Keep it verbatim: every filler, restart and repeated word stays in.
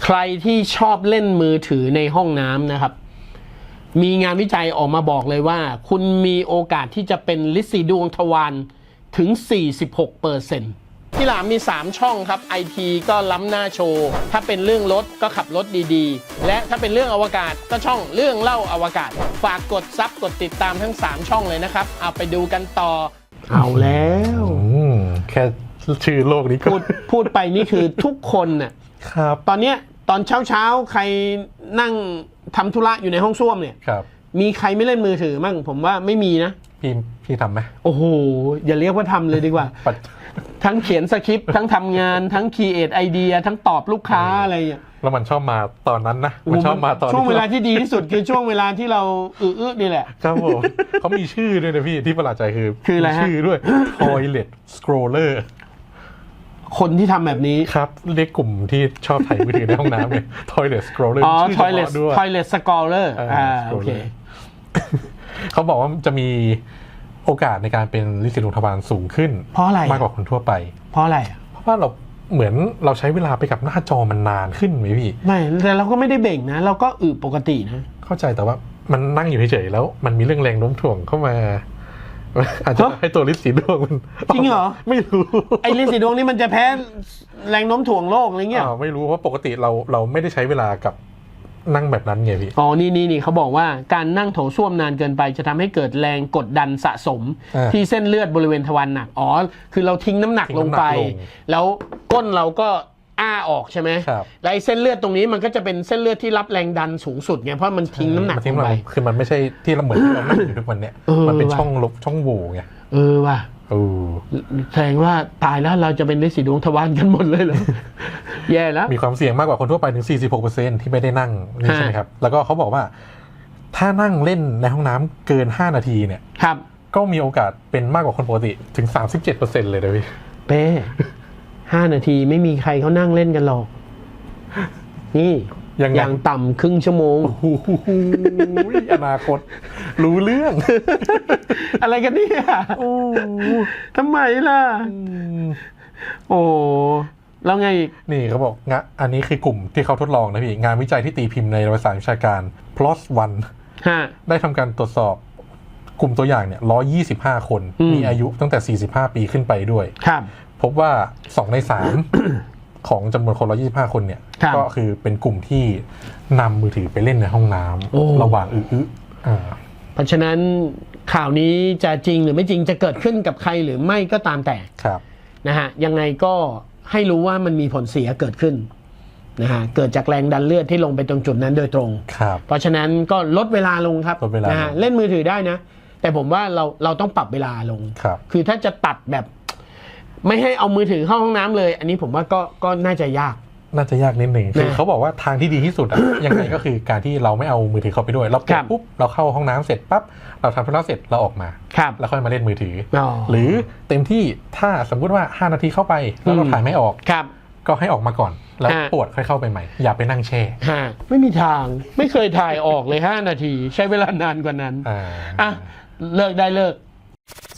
ใครที่ชอบเล่นมือถือในห้องน้ำนะครับมีงานวิจัยออกมาบอกเลยว่าคุณมีโอกาสที่จะเป็นลินสีดวงทวารถึง สี่สิบหกเปอร์เซ็นต์ ที่หลามมี สาม ช่องครับ ไอ ที ก็ล้ำหน้าโชว์ ถ้าเป็นเรื่องรถก็ขับรถดีๆและถ้าเป็นเรื่องอวกาศก็ช่องเรื่องเล่าอวกาศฝากกดซับกดติดตามทั้ง สาม ช่องเลยนะครับเอาไปดูกันต่อเอาแล้วแค่ชื่อโลกนี้ก็พูดพูดไปนี่คือทุกคนน่ะครับตอนเนี้ยตอนเช้าเช้าใครนั่งทำธุระอยู่ในห้องส้วมเนี่ยครับมีใครไม่เล่นมือถือมั่งผมว่าไม่มีนะพี่พี่ทำไหมโอ้โหอย่าเรียกว่าทำเลยดีกว่า ทั้งเขียนสคริปต์ทั้งทำงานทั้งครีเอทไอเดียทั้งตอบลูกค้าอะไรอย่างเงี้ยแล้วมันชอบมาตอนนั้นนะมันชอบมาตอนช่วงเวลาที่ดีที่สุดคือช่วงเวลาที่เราอื้อๆนี่แหละครับผมเขามีชื่อด้วยนะพี่ที่ประหลาดใจคือคืออะไรฮะชื่อด้วย Toilet Scroller คนที่ทำแบบนี้ครับเรียกกลุ่มที่ชอบถ่ายมือถือในห้องน้ำเนี่ย Toilet Scroller อ๋อชื่อ Toilet ด้วย Toilet Scroller อ่าโอเคเขาบอกว่าจะมีโอกาสในการเป็นลินสีดวงทวารสูงขึ้นเพราะอะไรมากกว่าคนทั่วไปเพราะอะไรเพราะว่าเราเหมือนเราใช้เวลาไปกับหน้าจอมันนานขึ้นไหมพี่ไม่แต่เราก็ไม่ได้เบ่งนะเราก็อึปกตินะเข้าใจแต่ว่ามันนั่งอยู่เฉยๆแล้วมันมีเรื่องแรงโน้มถ่วงเข้ามาอาจจะให้ตัวลินสีดวงมันจริงเหรอไม่รู้ไอ้ลินสีดวงนี่มันจะแพ้แรงโน้มถ่วงโลกอะไรเงี้ยไม่รู้เพราะปกติเราเราไม่ได้ใช้เวลากับนั่งแบบนั้นไงพี่อ๋อนี่นี่นี่เขาบอกว่าการนั่งโถส้วมนานเกินไปจะทำให้เกิดแรงกดดันสะสมที่เส้นเลือดบริเวณทวารหนักอ๋อคือเราทิ้งน้ำหนักลงไปแล้วก้นเราก็อ้าออกใช่ไหมแล้วไอ้เส้นเลือดตรงนี้มันก็จะเป็นเส้นเลือดที่รับแรงดันสูงสุดไงเพราะมันทิ้งน้ำหนักลงไปคือมันไม่ใช่ที่เราเหมือนที่เรานั่งอยู่ทุกวันเนี้ยมันเป็นช่องลบช่องโหว่ไงเออว่ะเออแสดงว่าตายแล้วเราจะเป็นลินสีดวงทวารกันหมดเลยเหรอ แย่แล้วมีความเสี่ยงมากกว่าคนทั่วไปถึง สี่สิบหกเปอร์เซ็นต์ ที่ไม่ได้นั่งนี่ใช่ไหมครับแล้วก็เขาบอกว่าถ้านั่งเล่นในห้องน้ำเกินห้านาทีเนี่ยครับก็มีโอกาสเป็นมากกว่าคนปกติถึง สามสิบเจ็ดเปอร์เซ็นต์ เลยนะพี่เป้ห้านาทีไม่มีใครเขานั่งเล่นกันหรอกนี่อย่างต่ำครึ่งชั่วโมงโอ้โหอนาคตรู้เรื่องอะไรกันเนี่ยโอ้ทำไมล่ะโอ้แล้วไงนี่เขาบอกงะอันนี้คือกลุ่มที่เขาทดลองนะพี่งานวิจัยที่ตีพิมพ์ในวารสารวิชาการ พี เอ แอล เอส วัน ได้ทำการตรวจสอบกลุ่มตัวอย่างเนี่ยหนึ่งร้อยยี่สิบห้าคนมีอายุตั้งแต่สี่สิบห้าปีขึ้นไปด้วยครับพบว่าสองในสามของจำนวนคนหนึ่งร้อยยี่สิบห้าคนเนี่ยก็คือเป็นกลุ่มที่นำมือถือไปเล่นในห้องน้ำระหว่างอื้อๆเพราะฉะนั้นข่าวนี้จะจริงหรือไม่จริงจะเกิดขึ้นกับใครหรือไม่ก็ตามแต่นะฮะยังไงก็ให้รู้ว่ามันมีผลเสียเกิดขึ้นนะฮะเกิดจากแรงดันเลือดที่ลงไปตรงจุดนั้นโดยตรงเพราะฉะนั้นก็ลดเวลาลงครับนะฮะเล่นมือถือได้นะแต่ผมว่าเราเราต้องปรับเวลาลงคือถ้าจะตัดแบบไม่ให้เอามือถือเข้าห้องน้ำเลยอันนี้ผมว่าก็ก็น่าจะยากน่าจะยากนิดหนึ่งคือเขาบอกว่าทางที่ดีที่สุดอะ ยังไงก็คือการที่เราไม่เอามือถือเข้าไปด้วยเราเปิดปุ๊บเราเข้าห้องน้ำเสร็จปั๊บเราทำธุระเสร็จเราออกมาแล้วค่อยมาเล่นมือถือหรือเต็มที่ถ้าสมมุติว่าห้านาทีเข้าไปแล้วเราถ่ายไม่ออกก็ให้ออกมาก่อนแล้วปวดค่อยเข้าไปใหม่อย่าไปนั่งแช่ไม่มีทางไม่เคยถ่ายออกเลยห้านาทีใช้เวลานานกว่านั้นอ่ะเลิกได้เลิก